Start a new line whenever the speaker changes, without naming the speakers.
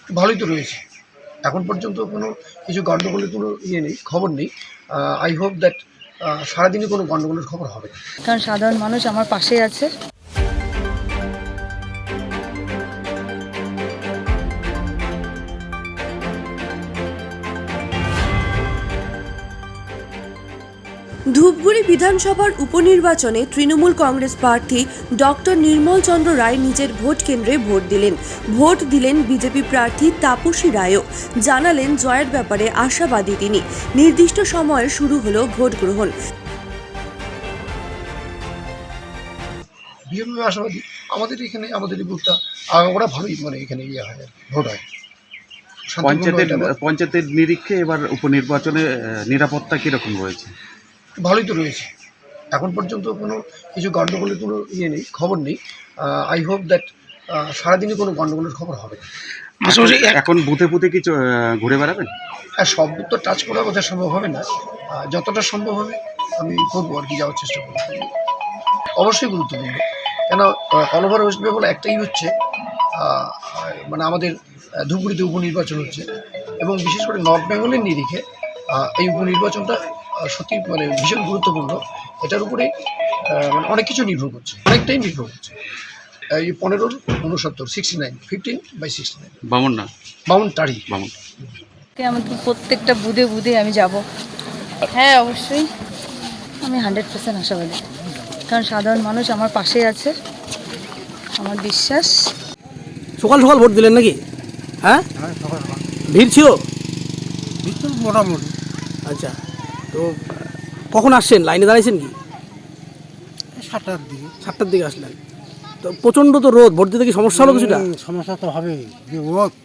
ভালোই তো রয়েছে। এখন পর্যন্ত কোনো কিছু গণ্ডগোলের কোনো নেই, খবর নেই। আই হোপ দ্যাট সারাদিনই কোনো গণ্ডগোলের খবর হবে না।
কারণ সাধারণ মানুষ আমার পাশেই আছে।
ধূপগুড়ি বিধানসভার উপনির্বাচনে তৃণমূল কংগ্রেস প্রার্থী ডক্টর নির্মল চন্দ্র রায় নিজের ভোট কেন্দ্রে ভোট দিলেন বিজেপি প্রার্থী তাপসী রায়ও। জানালেন জয়ের ব্যাপারে আশাবাদী তিনি। নির্দিষ্ট সময়ে শুরু হলো ভোট গ্রহণ।
বিএমপি আশাবাদী। আমাদের এখানে আমাদের এই বুথটা ওরা ভালোই মানে এখানে হয়, ভোট হয়।
পঞ্চায়েতের নিরীক্ষে এবার উপনির্বাচনে নিরাপত্তা কীরকম রয়েছে?
ভালোই তো রয়েছে। এখন পর্যন্ত কোনো কিছু গণ্ডগোলের কোনো নেই, খবর নেই। আই হোপ দ্যাট সারাদিনই কোনো গণ্ডগোলের খবর হবে না।
এখন বুথে বুথে কি ঘুরে বেড়াবেন?
আর সব বুথ তো টাচ করা বোধহয় সম্ভব হবে না। যতটা সম্ভব হবে আমি করবো আর কি, যাওয়ার চেষ্টা করবো। অবশ্যই গুরুত্বপূর্ণ, কেন অল ওভার ওয়েস্ট বেঙ্গল একটাই হচ্ছে, মানে আমাদের ধূপগুড়িতে উপনির্বাচন হচ্ছে, এবং বিশেষ করে নর্থ বেঙ্গলের নিরিখে এই উপনির্বাচনটা সত্যি মানে ভীষণ গুরুত্বপূর্ণ। এটার উপরেই মানে অনেক কিছু নির্ভর করছে, অনেকটাই নির্ভর করছে। এই 15-69 15/69 বামুনটারি।
আমাদের প্রত্যেকটা বুধে আমি যাব। হ্যাঁ, অবশ্যই আমি 100% আশাবাদী, কারণ সাধারণ মানুষ আমার পাশেই আছে, আমার বিশ্বাস।
সকাল সকাল ভোট দিলেন নাকি? হ্যাঁ, ভিড় ছিল
মোটামুটি।
আচ্ছা, তো কখন আসছেন? লাইনে দাঁড়াইছেন কি?
7টার দিকে
আসলেন। তো প্রচণ্ড তো রোদ, ভোট দিতে কি সমস্যা হলো কিছুটা?
সমস্যা তো হবে, যে রোদ